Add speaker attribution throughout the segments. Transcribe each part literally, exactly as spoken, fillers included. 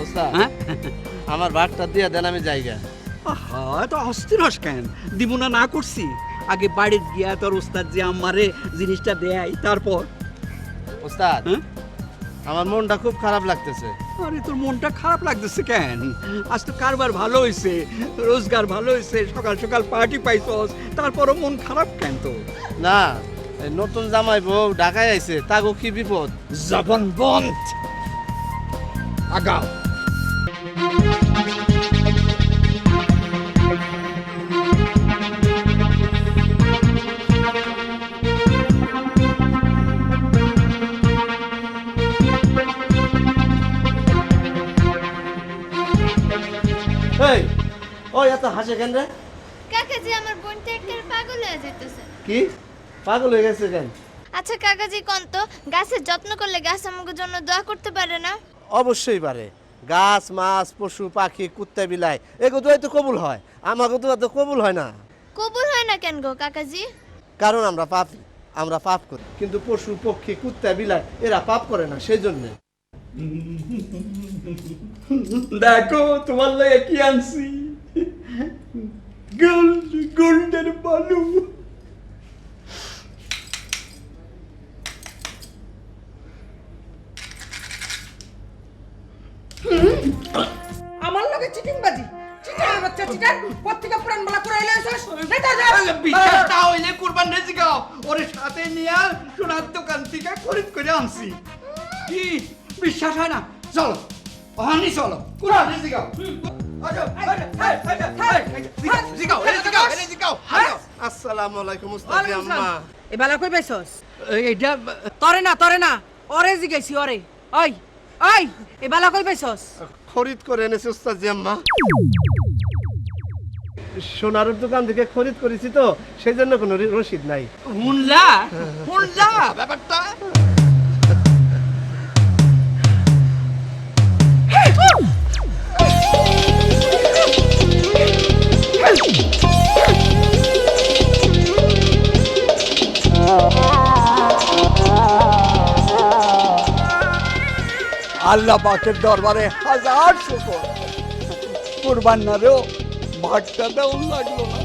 Speaker 1: ওস্তাদ
Speaker 2: হ্যাঁ
Speaker 1: আমার ভাগটা দিয়ে দেন আমি জায়গা।
Speaker 2: আহা এত অস্থির হস কেন? দিব না না করছি? আগে বাড়ির গিয়া তোর ওস্তাদ যে আমারে জিনিসটা দেয় তারপর।
Speaker 1: ওস্তাদ
Speaker 2: হ্যাঁ
Speaker 1: আমার মনটা খুব খারাপ লাগতেছে।
Speaker 2: আরে তোর মনটা খারাপ লাগতেছে কেন? আজ তো কারবার ভালো হয়েছে, রোজগার ভালো হয়েছে, সকাল সকাল পার্টি পাইছস, তারপরও মন খারাপ কেন তোর?
Speaker 1: না এই নতুন জামাই বউ ঢাকায় আইছে, তাগো কি বিপদ?
Speaker 2: জবান বন্ধ, আগাও।
Speaker 1: এই ওই এত হাসে কেন রে?
Speaker 3: কাকাজি আমার বোনটা একেবারে পাগল হয়ে যেতেছে।
Speaker 1: কি পাগল হয়ে গেছে কেন?
Speaker 3: আচ্ছা কাকাজি কোন তো গাছের যত্ন করলে গাছ আমাদের জন্য দোয়া করতে পারে না?
Speaker 1: অবশ্যই পারে। গাছ মাছ পশু পাখি কুত্তা বিলাই এগুলো দোয়াই তো কবুল হয়, আমাকে দোয়া তো কবুল হয় না।
Speaker 3: কবুল হয় না কেন গো কাকাজি?
Speaker 1: কারণ আমরা পাপী, আমরা পাপ করি, কিন্তু পশু পক্ষী কুত্তা বিলাই এরা পাপ করে না, সেই জন্য।
Speaker 2: দেখো তোমার লাগে কি আনছি, গোল্ড গোল্ডের বালু।
Speaker 4: আমার লগে চিটিং বাজি চিটার বাচ্চা চিটার পত্রিকা পুরান বলা করে এলাইছস নাই তা যা
Speaker 2: বিশ্বাস না হইলে কুরবান রেজি গাও ওরে সাথে নিয়ে সোনার দোকান থেকে খরিদ করে আনছি। কি বিশ্বাস হয় না? চলো ওখানে চলো কুরবান রেজি গাও।
Speaker 1: আসসালামু আলাইকুম উস্তাদ আম্মা।
Speaker 4: এ বালা কই পাইছস?
Speaker 2: এইটা
Speaker 4: তরে না তরে না ওরে জিগাইছি ওরে। ওই ওই এ বালা কই পাইছস?
Speaker 1: খরিদ করে এনেছি উস্তাদ আম্মা। সোনার দোকান থেকে খরিদ করেছি তো, সেই জন্য কোনো রি- রসিদ নাই।
Speaker 2: হুনলা হুনলা ব্যাপারটা। আল্লাহ পাকের দরবারে হাজার শুকর, কুরবান না রেও ভাগটা দেওয়া লাগলো না।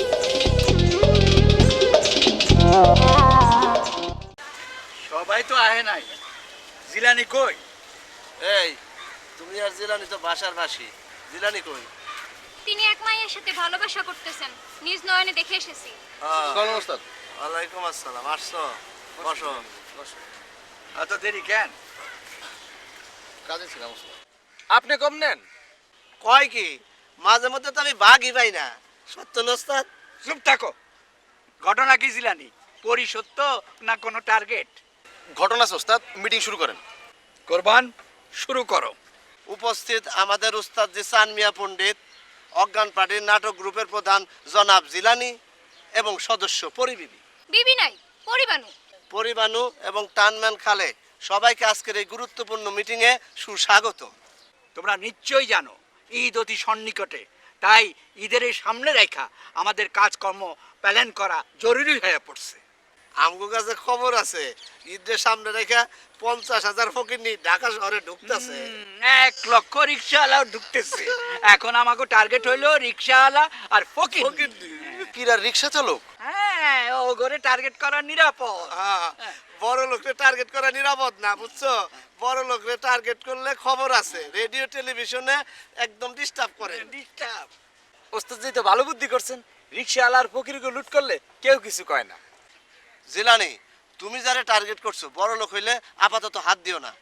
Speaker 2: সবাই তো আহে নাই, জিলানি কই?
Speaker 1: এই তুমি আর জিলানি তো বাসার বাসি, জিলানি কই?
Speaker 5: তিনি এক মায়ের সাথে ভালোবাসা করতেছেন, নিজ নয়নে দেখে এসেছি।
Speaker 1: সালাম ওস্তাদ। ওয়ালাইকুম আসসালাম। আসছো? বসো বসো।
Speaker 2: এত দেরি কেন?
Speaker 1: কাজে ছিলাম ওস্তাদ।
Speaker 6: আপনি কম নেন?
Speaker 1: কয় কি মাঝে মধ্যে তো আমি ভাগই পাই না। সত্য না ওস্তাদ?
Speaker 2: চুপ থাকো। ঘটনা কি জিলানি? পরি সত্য না কোনো টার্গেট?
Speaker 6: ঘটনা আছে ওস্তাদ, মিটিং শুরু করেন।
Speaker 2: কোরবান শুরু করো।
Speaker 1: উপস্থিত আমাদের উস্তাদ জিসান মিয়া পণ্ডিত, অজ্ঞান পার্টির নাটক গ্রুপের প্রধান জনাব জিলানি এবং সদস্য পরিবিবি
Speaker 5: বিবি নাই, পরিবানু।
Speaker 1: পরিবানু এবং টানম্যান খালে সবাইকে আজকের এই গুরুত্বপূর্ণ মিটিংয়ে সুস্বাগত।
Speaker 2: তোমরা নিশ্চয়ই জানো ঈদ অতি সন্নিকটে, তাই ঈদের এই সামনে রেখা আমাদের কাজকর্ম প্ল্যান করা জরুরি হয়ে পড়ছে।
Speaker 1: আমগো কাছে খবর আছে, ঈদের সামনে রেখে পঞ্চাশ হাজার ফকিরনি ঢাকা শহরে ঢুকতেছে।
Speaker 2: হুম, এক লক্ষ রিক্সাওয়ালাও ঢুকতেছে। এখন আমাকে টার্গেট হইলো রিক্সাওয়ালা আর ফকির।
Speaker 6: কিরা রিক্সা চালক?
Speaker 2: হ্যাঁ, ও ঘরে টার্গেট করা নিরাপদ।
Speaker 1: হ্যাঁ, বড় লোকরে টার্গেট করা নিরাপদ না, বুঝছো? বড় লোকরে টার্গেট করলে খবর আছে, রেডিও টেলিভিশনে একদম ডিস্টার্ব করে।
Speaker 2: ডিস্টার্ব।
Speaker 6: ওস্তাদ জি তো ভালো বুদ্ধি করছেন, রিক্সাওয়ালা আর ফকিরকে লুট করলে কেউ কিছু কয় না।
Speaker 1: জিলানি, তুমি যারা টার্গেট করছো বড় লোক হইলে আপাতত হাত দিও না।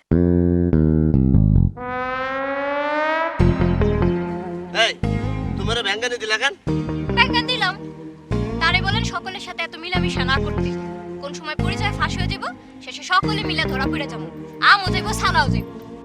Speaker 1: এই তোমার ভ্যাঙ্গানি দিলা কেন?
Speaker 5: ব্যাখ্যা দিলাম, তারে বলেন সকলের সাথে এত মিলামিশা না করতে। কোন সময় পরিচয় ফাঁস হয়ে যাব, শেষে সকলে মিলে ধরা পড়ে যাবো, আমও যাইব সালাও যাইব।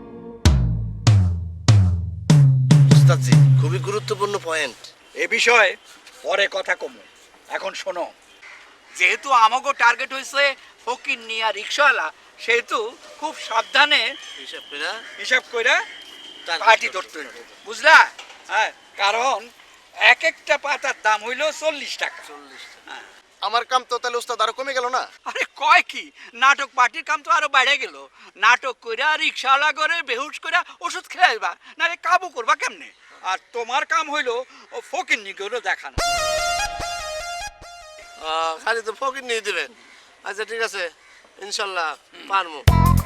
Speaker 1: উস্তাদজি খুবই গুরুত্বপূর্ণ পয়েন্ট।
Speaker 2: এ বিষয়ে পরে কথা কমু, এখন শোনো। যেহেতু আমাকে টার্গেট হয়েছে ফকির নিয়া রিক্সাওয়ালা, সেহেতু খুব সাবধানে
Speaker 1: হিসাব করে
Speaker 2: হিসাব করে
Speaker 1: target
Speaker 2: পার্টি
Speaker 1: করতে
Speaker 2: ধরতে হইব, বুঝলা? হ্যাঁ, কারণ এক একটা পাতার দাম হইল চল্লিশ টাকা।
Speaker 1: চল্লিশ।
Speaker 2: হ্যাঁ।
Speaker 7: আমার কাম তো তাহলে উস্তাদ আরো কমে গেল না?
Speaker 2: আরে কয় কি, নাটক পার্টির কাম তো আরো বেড়ে গেল। নাটক কইরা রিক্সাওয়ালা করে বেহুশ কইরা ওষুধ খেয়াইবা, নারে কাবু করবা কেমনে? আর তোমার কাম হইলো ও ফকির নিগুলো দেখানো।
Speaker 1: আহ, খালি তো ফকির নিয়ে দিবেন। আচ্ছা ঠিক আছে, ইনশাল্লাহ পারবো।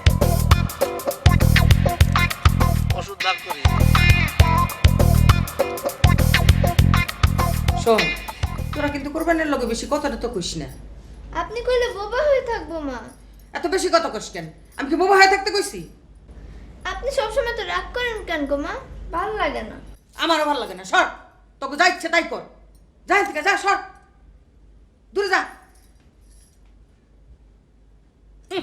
Speaker 1: ওষুধ ভাগ করি।
Speaker 4: শোন, তোরা কিন্তু কোরবানের লগে বেশি কথাটা তো কইস না।
Speaker 3: আপনি কইলে বোবা হয়ে থাকবো মা।
Speaker 4: এত বেশি কথা কইস কেন? আমি কি বোবা হয়ে থাকতে কইছি?
Speaker 3: আপনি সবসময় তো রাগ করেন কেন গো মা? ভালো লাগে না।
Speaker 4: আমারও ভালো লাগে না, সর। তোকে যা ইচ্ছে তাই কর, যা এখান থেকে, যা, সর, দূরে যা। হুম।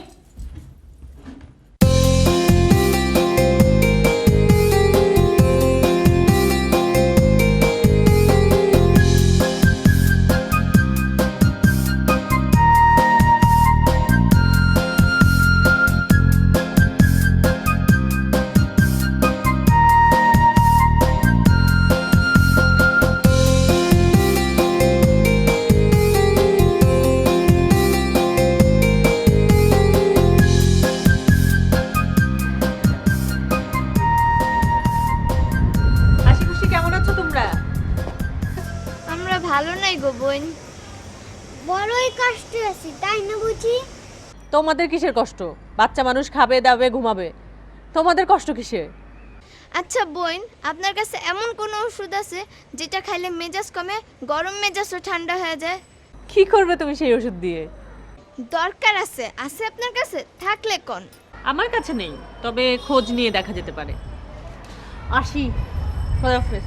Speaker 8: হাসি খুশি কেমন আছো তোমরা?
Speaker 3: আমরা ভালো নাই গো বোন, বড়ই কষ্টে আছি, তাই না বুঝি?
Speaker 8: তোমাদের কিসের কষ্ট? বাচ্চা মানুষ খাবে দাবে ঘুমাবে, তোমাদের কষ্ট কিসের?
Speaker 3: আচ্ছা বোন, আপনার কাছে এমন কোন ওষুধ আছে যেটা খাইলে মেজাজ কমে, গরম মেজাজও ঠান্ডা হয়ে যায়?
Speaker 8: কি করবে তুমি সেই ওষুধ দিয়ে?
Speaker 3: দরকার আছে, আছে আপনার কাছে? থাকলে কোন?
Speaker 8: আমার কাছে নেই, তবে খোঁজ নিয়ে দেখা যেতে পারে। আসি, খোদাহাফেজ।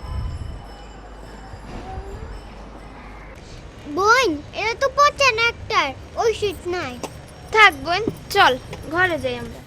Speaker 3: বোন, এটা তো পচা না, একটার ওষুধ নাই। থাক বোন, চল ঘরে যাই আমরা।